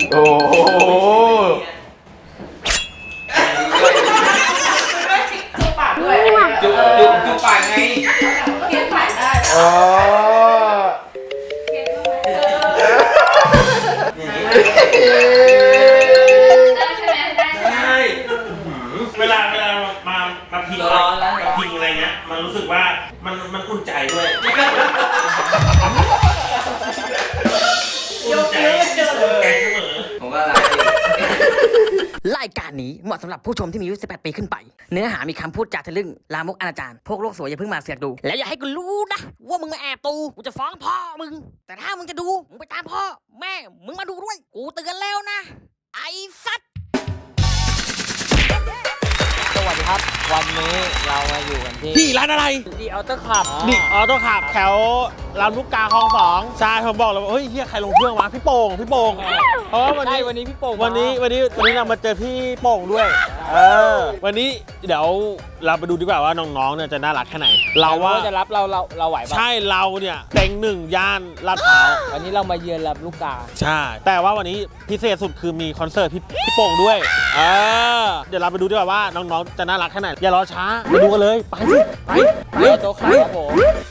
โอ้โหจุ๊บปากด้วยจุ๊บปากไงเคี้ยวปากได้อ๋อได้เวลามาพิงอะไรเงี้ยมันรู้สึกว่ามันอุ่นใจด้วยอุ่นใจเสมอผมก็รักรายการนี้เหมาะสำหรับผู้ชมที่มีอายุ 18 ปีขึ้นไปเนื้อหามีคำพูดจาทะลึ่งลามกอนาจารพวกโลกสวยอย่าเพิ่งมาเสือกดูแล้วอย่าให้กูรู้นะว่ามึงมาแอบดูกูจะฟ้องพ่อมึงแต่ถ้ามึงจะดูมึงไปตามพ่อแม่มึงมาดูด้วยกูเตือนแล้วนะไอ้สัตว์สวัสดีครับวันนี้เรามาอยู่กันที่ร้านอะไรดีออโต้ขับดิออโต้ขับแถวลำลูกกาคลอง2ใช่ผมบอกเลยว่าเฮ้ยเฮียใครลงเครื่องวะพี่โป่งเพราะว่าวันนี้พี่โป่งวันนี้เรามาเจอพี่โป่งด้วยวันนี้เดี๋ยวเราไปดูดีกว่าว่าน้องๆเนี่ยจะน่ารักแค่ไหนเราว่าจะรับเราไหวป่ะใช่เราเนี่ยเต็งหนึ่งย่านลาดพร้าววันนี้เรามาเยือนลำลูกกาใช่แต่ว่าวันนี้พิเศษสุดคือมีคอนเสิร์ตพี่โป่งด้วยเดี๋ยวเราไปดูดีกว่าว่าน้องๆจะน่ารักแค่ไหนอย่ารอช้าไปดูกันเลยไปสิไปโต๊ะครับผม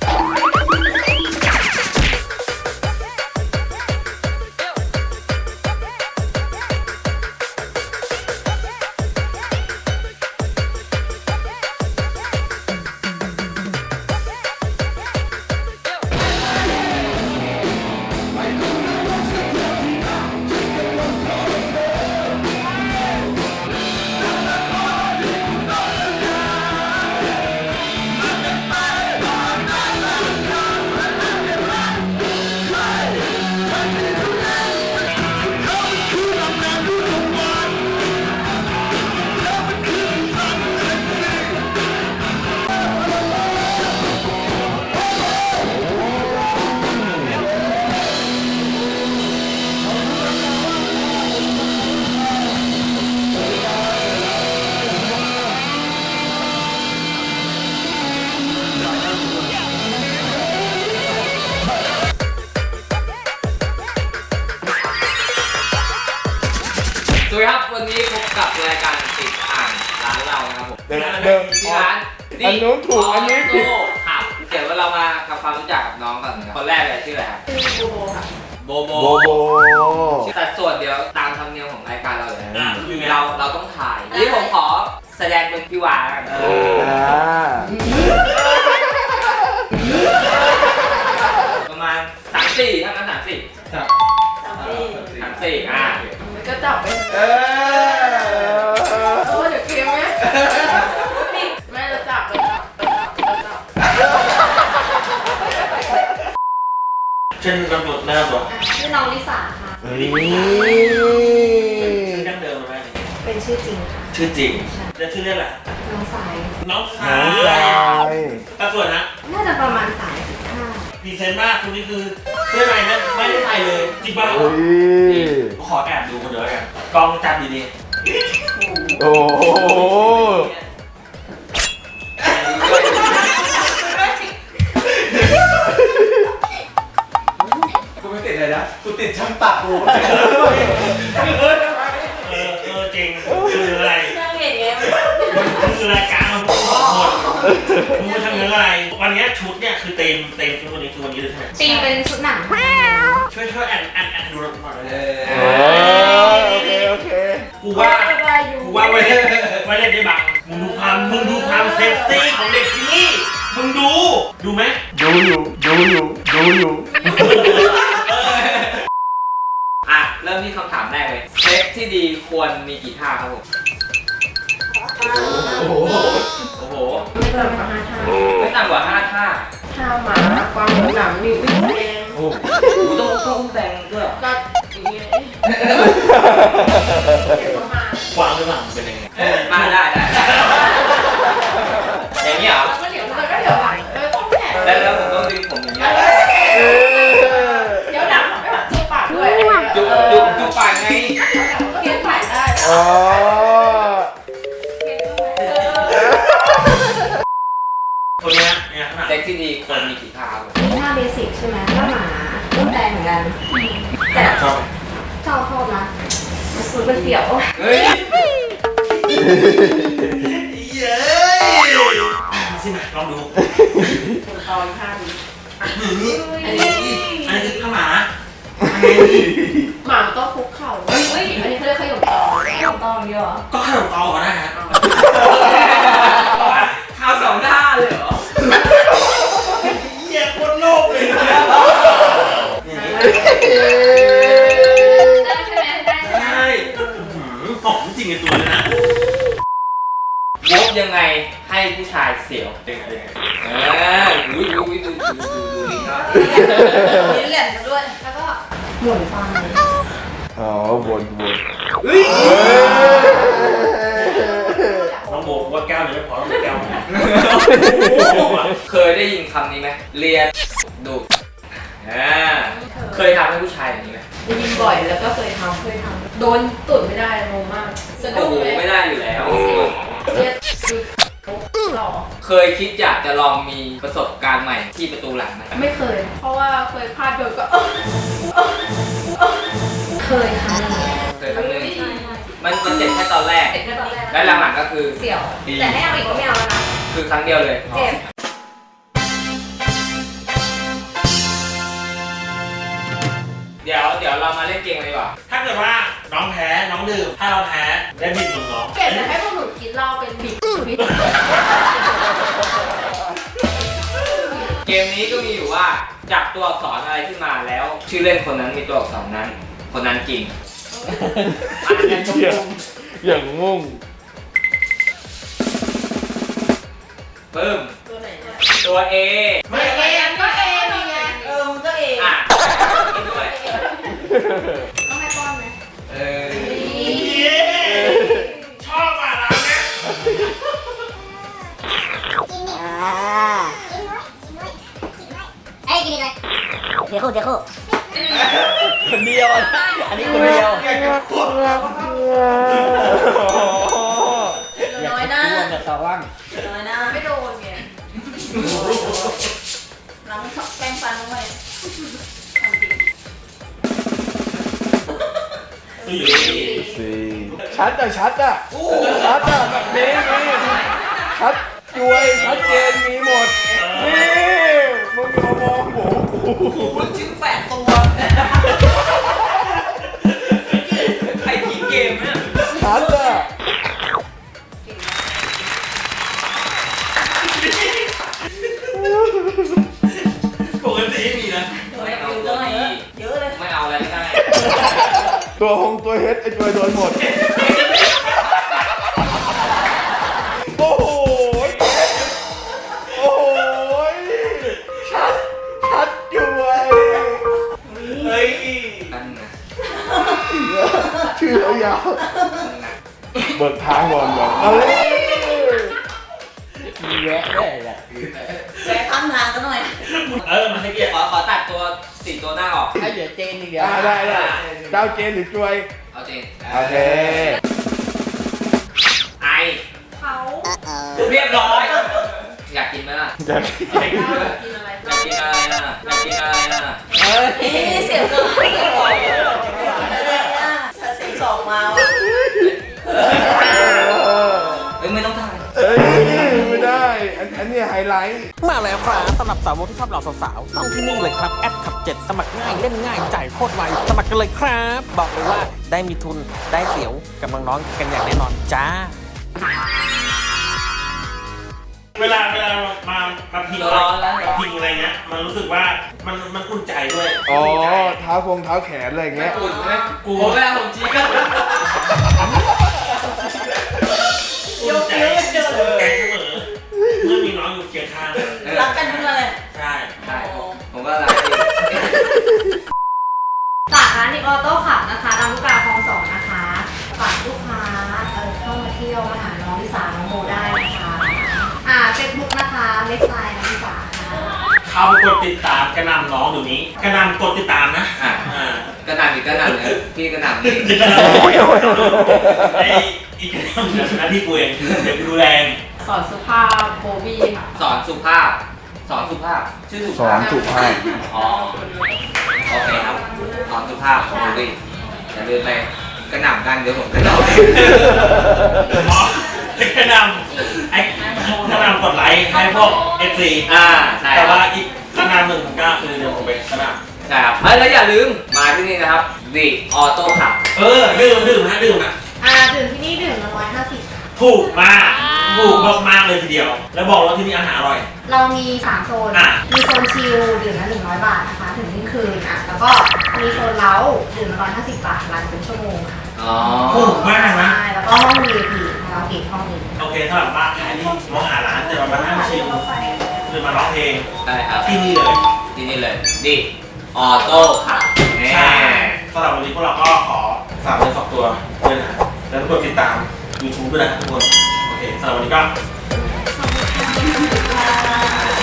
สวัสดีครับวันนี้พบกับรายการติดอ่างร้านเรานะครับผมที่ร้านอันนู้นถูกอันนี้ผิดครับเดี๋ยวเรามาทำความรู้จักกับน้องก่อนนะครับคนแรกเลยชื่ออะไรครับชื่อโบค่ะโบแต่ส่วนเดี๋ยวตามธรรมเนียมของรายการเราเลยเราต้องถ่ายนี่ผมขอแสดงเป็นพี่วากันประมาณ3-4ถ้างั้น3-4ครับ3-4มันก็จับไปเดี๋ยวเกมไหมแม่จะจับไปจับเช่นตำรวจนะครับชื่อน้องลิสาค่ะชื่อดั้งเดิมไหมเป็นชื่อจริงค่ะชื่อจริงแล้วชื่อเล่นอะไรน้องสายตาส่วนนะน่าจะประมาณ35 ดีเซนมากคนนี้คือเสื้อในนั้นไม่ได้ใส่เลยจริงป่ะขอแอบดูคนเดียวกันกล้องจับดีๆโอ้โหกูไม่ติดเลยนะกูติดช่างตัดกูจริงคืออะไรนั่งเห็นไงคือรายการมันหมดมึงทำเรื่องอะไรวันนี้ชุดเนี่ยคือเต็มชุดวันนี้คือวันนี้เลยใช่ไหมตีเป็นชุดหนังช่วยแอนดูหน่อยโอเคกูว่าไว้เล่นได้บ้างมึงดูความเซ็กซี่ของเด็กที่นี่มึงดูไหมดูอยู่เริ่มที่คำถามแรกเลยเซ็กที่ดีควรมีกี่ท่าครับผมโอ้โหไม่ต่ำกว่า5ท่าท่าหมาความหนังนิ้วแดงโอ้โหต้องแดงด้วยก็อย่างเงี้ยกวางหรือเปล่าเป็นยังไงมาได้อย่างนี้เหรอก็เดี๋ยวหลังต้องแผลแล้วผมต้องดึงผมอย่างนี้เดี๋ยวหลังไม่แบบจุ๊บปากด้วยจุ๊บปากไงเคี้ยวปากได้คนนี้เซ็กที่ดีควรมีกี่ท่าท่าเบสิกใช่ไหมท่าหมาอุ้มแดงเหมือนกันแต่ชอบนะมันเสียวเฮ้ยเย้สิมาลองดูตอนข้างนี้อันนี้คือข้าหมาอันนี้หมามันต้องคุกเข่าเฮ้ยอันนี้เขาเรียกขยมตองขยมตองเดียวเหรอก็ขนมตอก็ได้ฮะข้าวสองท่าเลยเหรอเหี้ยโคตรโลภเลยได้ใช่ไหมได้ใช่ไหมใช่หอมจริงในตัวเลยนะยกยังไงให้ผู้ชายเสียวอุ้ยดูนี่ครับมีเหรียญมาด้วยแล้วก็หมุนฟังอ๋อวนเฮ้ยน้องโบกว่าแก้วหนึ่งไม่พอต้องแก้วนึงเคยได้ยินคำนี้ไหมเรียนดูเคยทำให้ผู้ชายอย่างนี้ไหมได้ยินบ่อยแล้วก็เคยทำโดนตุ่นไม่ได้งงมากสะโอ้ดุ้งโหเลยไม่ได้อยู่แล้วเรียกหล่อเคยคิดอยากจะลองมีประสบการณ์ใหม่ที่ประตูหลังไหมไม่เคย เพราะว่าเคยพลาดโดนก็เคยค่ะเคยครั้งหนึงมันเจ็บแค่ตอนแรกเด็กแค่ตอนแรกและหลังๆก็คือเสี่ยว แต่ให้เอาอีกก็ไม่เอาแล้วนะคือครั้งเดียวเลยเจ็บเดี๋ยวเรามาเล่นเกมกันดีกว่าถ้าเกิดว่าน้องแพ้น้องดื่มถ้าเราแพ้ได้บิดน้องเก็บแต่ให้พวกหนูกินเหล้าเป็นบิ๊กเกมนี้ก็มีอยู่ว่าจับตัวอักษรอะไรขึ้นมาแล้ว ชื่อเล่นคนนั้นมีตัวอักษรนั้น คนนั้นจริงอ่านกันเหี้ยอย่างงงปึ้มตัวไหนเนี่ยตัว A ไม่เอก็เอนี่ไงมึงก็เออ่ะกินด้วยต้องให้ป้อนไหมเออเย้ชอบอ่ะร้านเนี้ยเดี๋ยวคู่คนเดียวนะอันนี้คนเดียวน้อยหน้าร่วมกับตาว่างน้อยหน้าไม่โดนไงล้างแป้งฟันลงไปทำดีสี่ชัดอ่ะแบบนี้ชัดจวยชัดเจนมีหมดนี่มึงอย่ามามองผมคุณชื่อแปดตัวใครทิ้งเกมเนี่ยชัดอ่ะปกติไม่มีนะไม่เอาตัวดีเยอะเลยไม่เอาอะไรก็ได้ตัวเฮดไอ้จวยโดนหมดโอ้โหโอ้โหชัดจวยเฮ้ยนั่นนะชื่อยาวนั่นนะเบิกทางก่อนเอาเลยมีแวะด้วยแหละแวะข้างทางกันหน่อยมันให้เกียรติขอตัดตัว4ตัวหน้าออกให้เหลือเจนอีกเดียวได้เจ้าเจนหรือจวยเอาจริงโอเคไอเขาเรียบร้อย อยากกินไหมล่ะจะกินอะไรอยากกินอะไรน่ะอยากกินอะไรน่ะเฮ้ยเสียงก็ไม่ได้บอกเสียงสองมาว่ะเอ้ยไม่ต้องถ่ายเอ้ยไม่ได้อันนี้ไฮไลท์มาแล้วครับสำหรับสาวกที่ชอบเหล่าสาวๆต้องที่นี่เลยครับแอดขับ 7 สมัครง่ายเล่นง่ายจ่ายโคตรไวสมัครกันเลยครับ บอกเลยว่าได้มีทุนได้เสียวกับน้องๆกันอย่างแน่นอนจ้าเวลามาพิงร้อนแล้วพิงอะไรเงี้ยมันรู้สึกว่ามันอุ่นใจด้วยอ๋อเท้าแขนอะไรอย่างเงี้ยอุ่นไหมกูเวลาผมชี้กันอุ่นใจใจเสมอเมื่อมีน้องอยู่เคียงข้างรักกันทุกเลยใช่ใช่ผมก็รักดีฝากร้านนิออโต้ขับนะคะลำลูกกาคลอง 2นะคะฝากลูกค้าเข้ามาเที่ยวมาหาน้องลิสาน้องโมได้นะคะเฟซบุ๊กนะคะเว็บไซต์น้องลิสาค่ะเข้าไปกดติดตามกระนำน้องเดี๋ยวนี้กระนำกดติดตามนะอ่ะกระหน่ำอีกกระหน่ำเลยพี่กระหน่ำนี่ไอ้อีกกระนำหน้าที่กูเองเดี๋ยวกูดูแลสอนสุภาพโบบี้ค่ะสอนสุภาพชื่อสุสอภาพนสุภาพอ๋อโอเคครับสอนสุภาพดูดิอย่าลืมไปกระหน่ำกันเดี๋ยวผมกระหน่อ๋อกระนำไอ้กระนำกดไลค์ให้พวก FC ใช่แต่ครัว่าบอีกกระนำหนึ่งก็คือเดี๋ยวผมไปกระนใช่ครับแล้วอย่าลืมมาที่นี่นะครับดิออโต้ขับำดื่มนะดื่มที่นี่ดื่มละ150ค่ะถูกมากมากเลยทีเดียว แล้วบอกว่าที่นี่อาหารอร่อยเรามี3โซนอ่ะมีโซนชิลดื่มละ100 บาทนะคะถึงเที่ยงคืนแล้วก็มีโซนเล้าดื่มละ150 บาทรันเป็นชั่วโมงค่ะถูกมากนะใช่แล้วก็ห้อง VIP คาราโอเกะห้องหนึงโอเคสำหรับบ้านใครที่มองหาร้านจะมานั่งชิลหรือมาร้องเพลงใช่ครับที่นี่เลยที่นี่เลยดิออโต้ขับใช่สำหรับวันนี้พวกเราก็ขอฝากเนื้อฝากตัวด้วยนะแล้วทุกคนติดตาม YouTube ด้วยนะทุกคน โอเคสำหรับวันนี้ก็